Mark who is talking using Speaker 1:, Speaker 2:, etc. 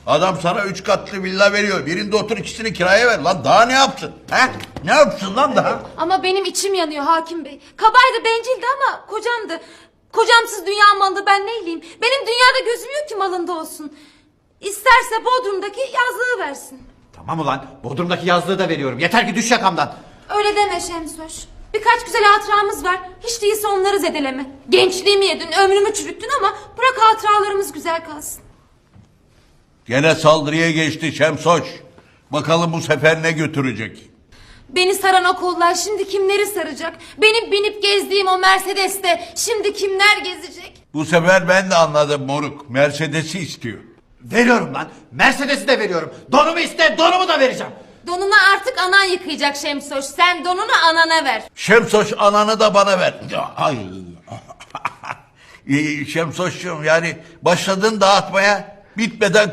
Speaker 1: Adam sana 3 katlı villa veriyor. Birinde otur, ikisini kiraya ver. Lan daha ne yapsın? He? Ne yapsın lan daha?
Speaker 2: Ama benim içim yanıyor hakim bey. Kabaydı, bencildi ama kocamdı. Kocamsız dünya malı ben neyleyim? Benim dünyada gözüm yok ki malında olsun. İsterse Bodrum'daki yazlığı versin.
Speaker 3: Tamam ulan, Bodrum'daki yazlığı da veriyorum. Yeter ki düş yakamdan.
Speaker 2: Öyle deme Şemsoş. Birkaç güzel hatıramız var. Hiç değilse onları zedeleme. Gençliğimi yedin, ömrümü çürüttün ama bırak hatıralarımız güzel kalsın.
Speaker 1: Gene saldırıya geçti Şemsoş. Bakalım bu sefer ne götürecek?
Speaker 2: Beni saran o kollar şimdi kimleri saracak? Benim binip gezdiğim o Mercedes'te şimdi kimler gezecek?
Speaker 1: Bu sefer ben de anladım moruk. Mercedes'i istiyor.
Speaker 3: Veriyorum lan. Mercedes'i de veriyorum. Donumu iste, donumu da vereceğim.
Speaker 2: Donunu artık anan yıkayacak Şemsoş. Sen donunu anana ver.
Speaker 1: Şemsoş, ananı da bana ver. Ay. Şemsoş'cum, yani başladın dağıtmaya, bitmeden